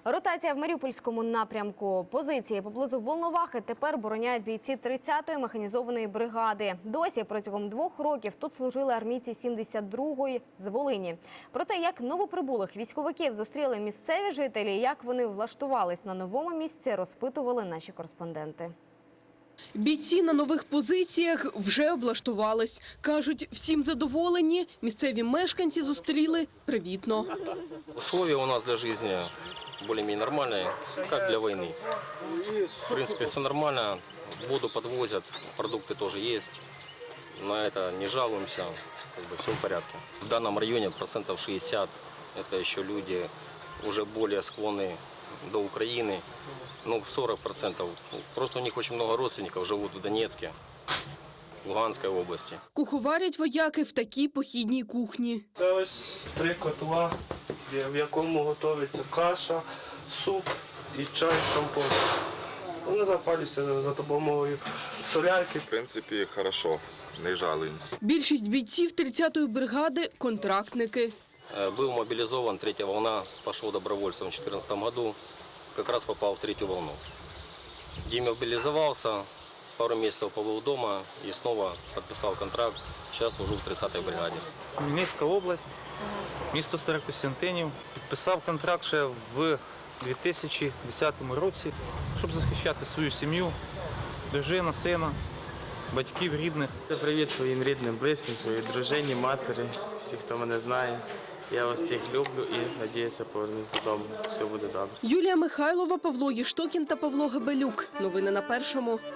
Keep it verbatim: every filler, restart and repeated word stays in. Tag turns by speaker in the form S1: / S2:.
S1: Ротація в Маріупольському напрямку. Позиції поблизу Волновахи тепер бороняють бійці тридцятої механізованої бригади. Досі протягом двох років тут служили армійці сімдесят другої з Волині. Про те, як новоприбулих військовиків зустріли місцеві жителі, як вони влаштувались на новому місці, розпитували наші кореспонденти.
S2: Бійці на нових позиціях вже облаштувались. Кажуть, всім задоволені, місцеві мешканці зустріли привітно.
S3: Условия у нас для жизни более-менее нормальные, как для войны. В принципе, все нормально, воду подвозят, продукты тоже есть. На это не жалуемся, как бы все в порядке. В данном районе процентов шестьдесят это еще люди уже более склонны до Украины. Ну, сорок процентов. Просто у них очень много родственников живут в Донецке, Луганской области.
S2: Куховарять вояки в такій похідній кухні.
S4: Це ось три котла, в якому готується каша, суп і чай з компотом. Вони запалюються за допомогою солярки.
S5: В принципі, хорошо, не жалуємося.
S2: Більшість бійців тридцятої бригади – контрактники.
S3: Был мобилизован, третья волна, пошел добровольцем в две тысячи четырнадцатом году, как раз попал в третью волну. Демобилизовался, пару месяцев побыл дома и снова подписал контракт. Сейчас служу в тридцятой бригаді.
S6: Хмельницька область, місто Старокостянтинів. Підписав контракт ще в дві тисячі десятому році, щоб захищати свою сім'ю, дружину, сина, батьків, рідних.
S4: Привіт своїм рідним, близьким, своїй дружині, матері, всіх, хто мене знає. Я вас всіх люблю і надіюся повернусь додому. Все буде добре.
S2: Юлія Михайлова, Павло Єштокін та Павло Гебелюк. Новини на Першому.